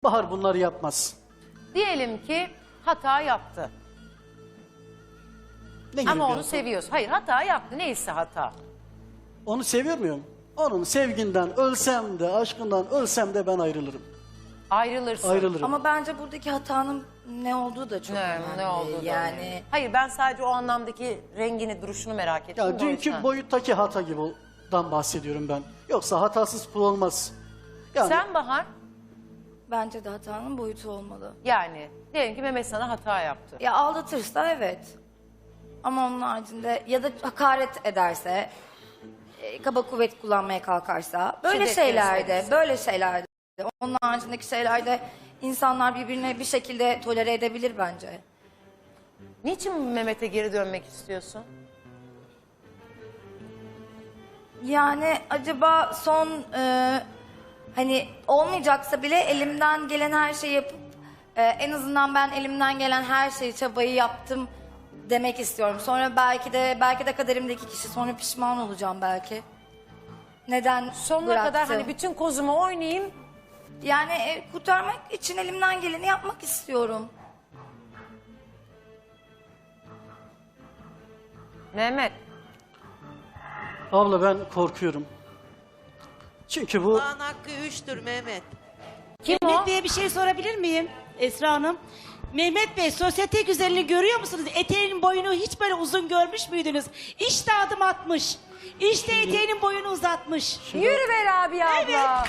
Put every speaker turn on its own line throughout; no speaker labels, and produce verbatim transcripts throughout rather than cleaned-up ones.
Bahar bunları yapmaz.
Diyelim ki hata yaptı.
Ne gibi
Ama
bir
onu
hata?
seviyorsun. Hayır, hata yaptı. Neyse hata.
Onu seviyor muyum? Onun sevginden ölsem de, aşkından ölsem de ben ayrılırım.
Ayrılırsın.
Ayrılırım.
Ama bence buradaki hatanın ne olduğu da çok
Ne,
önemli.
ne oldu da
Yani
önemli. Hayır, ben sadece o anlamdaki rengini, duruşunu merak ettim.
Yani
de o
dünkü
yüzden.
boyuttaki hata gibi'dan bahsediyorum ben. Yoksa hatasız kul olmaz. Yani
Sen Bahar,
bence de hatanın boyutu olmalı.
yani diyelim ki Mehmet sana hata yaptı.
Ya aldatırsa evet. Ama onun haricinde ya da hakaret ederse, e, kaba kuvvet kullanmaya kalkarsa, böyle
Şiddet
şeylerde,
gösterirse.
böyle şeylerde, onun haricindeki şeylerde insanlar birbirine bir şekilde tolere edebilir bence.
Niçin Mehmet'e geri dönmek istiyorsun?
Yani acaba son e, hani olmayacaksa bile elimden gelen her şeyi yapıp e, en azından ben elimden gelen her şeyi, çabayı yaptım demek istiyorum. Sonra belki de belki de kaderimdeki kişi, sonra pişman olacağım belki. Neden
Sonuna
bıraktım?
kadar hani bütün kozumu oynayayım.
Yani e, kurtarmak için elimden geleni yapmak istiyorum.
Mehmet,
abla ben korkuyorum. Çünkü bu
Allah'ın hakkı üçtür Mehmet.
kim o?
Mehmet Bey'e bir şey sorabilir miyim Esra Hanım? Mehmet Bey, sosyete güzelliğini görüyor musunuz? Eteğinin boyunu hiç böyle uzun görmüş müydünüz? İşte adım atmış. İşte eteğinin boyunu uzatmış.
Yürü be Rabia abla.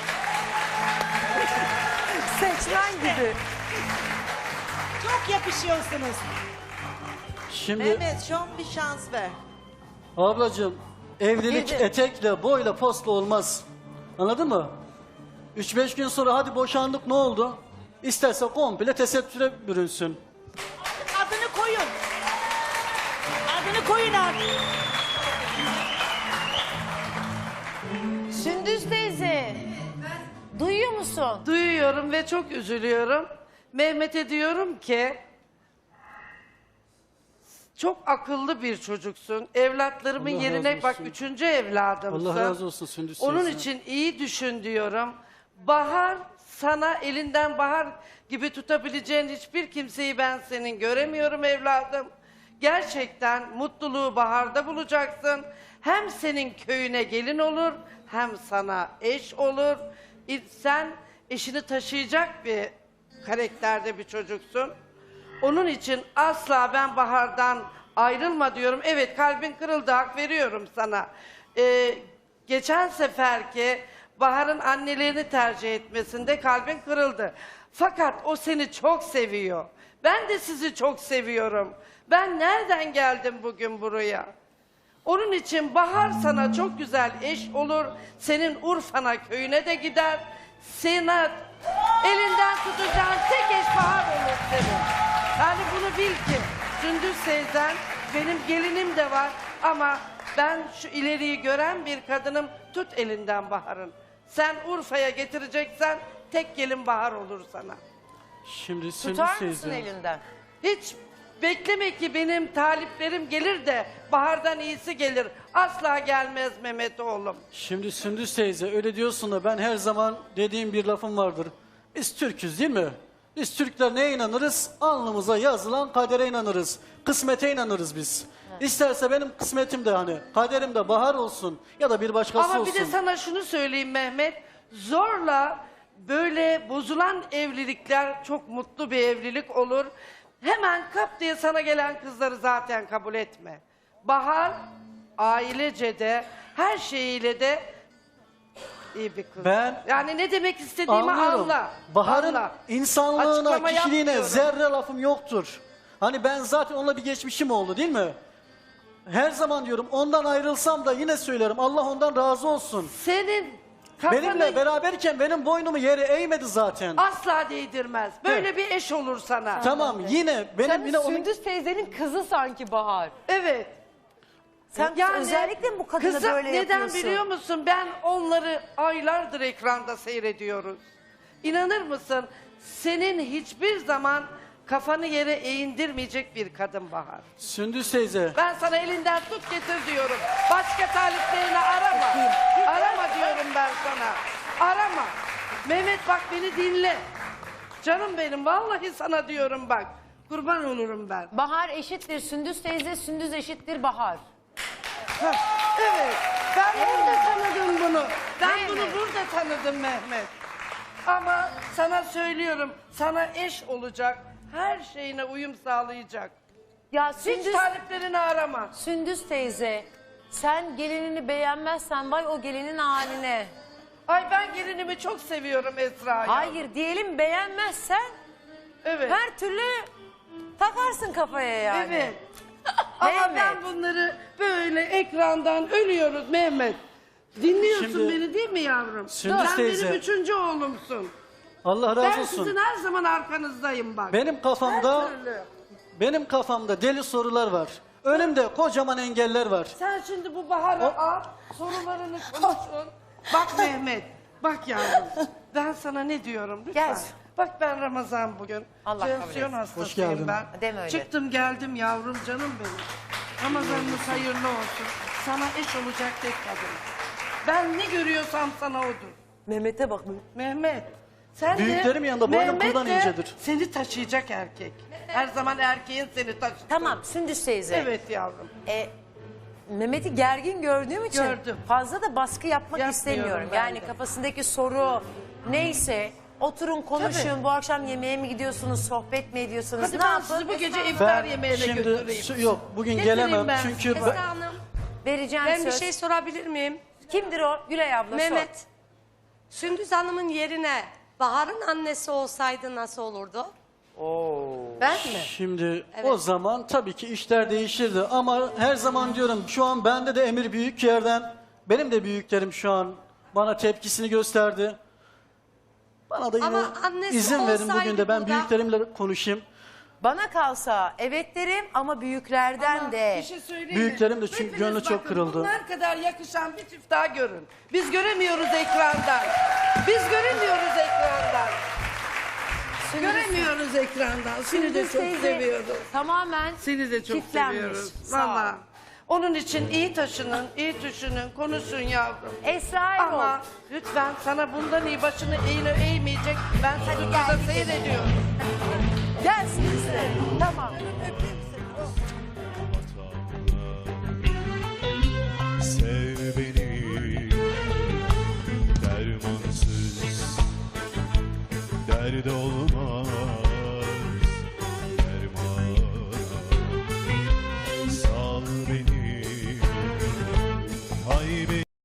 Seçmen gibi.
Çok yakışıyorsunuz.
şimdi
Mehmet son bir şans ver.
ablacığım evlilik
Bir de-
etekle, boyla, postla olmaz. Anladın mı? üç beş gün sonra hadi boşandık ne oldu? İsterse komple tesettüre bürünsün.
Adını koyun. Adını koyun abi.
Sündüz teyze. Duyuyor musun?
Duyuyorum ve çok üzülüyorum. Mehmet'e diyorum ki çok akıllı bir çocuksun. Evlatlarımın
Allah
yerine
razı
bak
olsun.
üçüncü evladımsın.
Allah razı olsun Sündüz
Onun
teyze.
için iyi düşün diyorum. Bahar sana elinden bahar gibi tutabileceğin hiçbir kimseyi ben senin göremiyorum evladım. Gerçekten mutluluğu baharda bulacaksın. Hem senin köyüne gelin olur hem sana eş olur. Sen eşini taşıyacak bir karakterde bir çocuksun. Onun için asla ben Bahar'dan ayrılma diyorum. Evet kalbin kırıldı, hak veriyorum sana. Ee, geçen seferki Bahar'ın annelerini tercih etmesinde kalbin kırıldı. Fakat o seni çok seviyor. Ben de sizi çok seviyorum. Ben nereden geldim bugün buraya? Onun için Bahar sana çok güzel eş olur. Senin Urfa'na, köyüne de gider. Sana elinden tutacağın tek eş Bahar olur senin. Yani bunu bil ki Sündüz teyzen benim gelinim de var ama ben şu ileriyi gören bir kadınım. Tut elinden Bahar'ın. Sen Urfa'ya getireceksen tek gelin Bahar olur sana.
Şimdi Sündüz
Tutar mısın
teyze.
elinden?
Hiç bekleme ki benim taliplerim gelir de Bahar'dan iyisi gelir. Asla gelmez Mehmet oğlum.
Şimdi Sündüz teyze öyle diyorsun da ben her zaman dediğim bir lafım vardır. Biz Türk'üz değil mi? Biz Türkler neye inanırız? Alnımıza yazılan kadere inanırız. Kısmete inanırız biz. İsterse benim kısmetim de hani kaderim de Bahar olsun ya da bir başkası
Ama
olsun.
bir de sana şunu söyleyeyim Mehmet. Zorla böyle bozulan evlilikler çok mutlu bir evlilik olur. Hemen kap diye sana gelen kızları zaten kabul etme. Bahar ailece de her şeyiyle de iyi bir kız.
Ben
yani ne demek istediğimi
Anlıyorum.
anla.
Bahar'ın
anla.
insanlığına,
Açıklama
kişiliğine
yapmıyorum.
zerre lafım yoktur. Hani ben zaten onunla bir geçmişim oldu değil mi? Her zaman diyorum ondan ayrılsam da yine söylerim Allah ondan razı olsun.
Senin kafanı
Benimle beraberken benim boynumu yere eğmedi zaten.
asla değdirmez. Böyle bir eş olur sana.
Tamam yine benim
Sen
yine onun
Sündüz teyzenin kızı sanki Bahar.
Evet.
Sen özellikle mi bu kadını
kızım,
böyle
neden
yapıyorsun?
biliyor musun? Ben onları aylardır ekranda seyrediyoruz. İnanır mısın? Senin hiçbir zaman kafanı yere eğindirmeyecek bir kadın Bahar.
Sündüz teyze.
Ben sana elinden tut getir diyorum. Başka taliplerini arama. Arama diyorum ben sana. Arama. Mehmet bak beni dinle. Canım benim vallahi sana diyorum bak. Kurban olurum ben.
Bahar eşittir Sündüz teyze, Sündüz eşittir Bahar.
Heh, evet. Ben burada tanıdım bunu. Ben
Mehmet.
bunu burada tanıdım Mehmet. Ama sana söylüyorum. Sana eş olacak. Her şeyine uyum sağlayacak.
Ya
Hiç
Sündüz,
taliplerini arama.
Sündüz teyze, sen gelinini beğenmezsen vay o gelinin haline.
Ay ben gelinimi çok seviyorum Esra'yı.
Hayır diyelim beğenmezsen
Evet.
her türlü takarsın kafaya yani.
Evet. Ama
Mehmet.
ben bunları böyle ekrandan ölüyoruz Mehmet. Dinliyorsun
Şimdi-
beni değil mi yavrum?
Sündüz
Sen
teyze.
benim üçüncü oğlumsun.
Allah razı
Ben
olsun.
sizin her zaman arkanızdayım bak.
Benim kafamda
Her türlü.
benim kafamda deli sorular var. Önümde kocaman engeller var.
Sen şimdi bu Bahar'ı al, sorularını konuşun. Bak Mehmet, bak yavrum. Ben sana ne diyorum lütfen.
Gel.
Bak ben Ramazan bugün.
Allah kabul
Tansiyon
etsin.
hastasıyım
Hoş geldin.
ben.
Deme öyle.
Çıktım geldim yavrum canım benim. Ramazanınız hayırlı olsun. Sana eş olacak tek kadın. Ben ne görüyorsam sana odur.
Mehmet'e bak.
Mehmet. Sen
Büyüklerim
de,
yanında boynum
Mehmet
kuldan
de
incedir.
Seni taşıyacak erkek. Her zaman erkeğin seni taşır.
Tamam Sündüz teyze.
Evet yavrum.
E, Mehmet'i gergin gördüğüm için
Gördüm.
fazla da baskı yapmak
Yapmıyorum
istemiyorum.
ben
Yani
de.
kafasındaki soru neyse oturun konuşun.
Tabii.
Bu akşam yemeğe mi gidiyorsunuz, sohbet mi ediyorsunuz?
Hadi
ne
ben
yapın?
sizi bu gece iftar
Ben
yemeğine
şimdi
götüreyim.
su- yok bugün
Getireyim
gelemem
ben.
çünkü ben-
Esra Hanım,
Vereceğim
ben bir
söz.
şey sorabilir miyim?
Kimdir o? Gülay abla sor.
Mehmet, Sündüz Hanım'ın yerine Bahar'ın annesi olsaydı nasıl olurdu?
Ben mi?
Şimdi o zaman tabii ki işler değişirdi ama her zaman diyorum şu an bende de emir büyük yerden benim de büyüklerim şu an bana tepkisini gösterdi. Bana da yine
Ama annesi
izin verin bugün
olsaydı
de ben
burada-
büyüklerimle konuşayım.
Bana kalsa evet derim ama büyüklerden de.
Bir şey söyleyeyim mi?
Büyüklerim de çünkü
Hepiniz
gönlü çok
bakın,
kırıldı.
Bunlar kadar yakışan bir çift daha görün. Biz göremiyoruz ekrandan. Biz göremiyoruz ekrandan. Göremiyoruz ekrandan. Seni de
Sündüz
çok
teyze
seviyoruz.
Tamamen
Seni de çok
çiftlenmiş.
seviyoruz.
Sağ ol.
Valla. Onun için iyi taşının, iyi düşünün, konuşun yavrum.
Esra Erol.
Ama lütfen sana bundan iyi başını eğine eğmeyecek. Ben seni burada seyrediyorum.
Gelsin size. Tamam.
Sev beni dermansız dert olma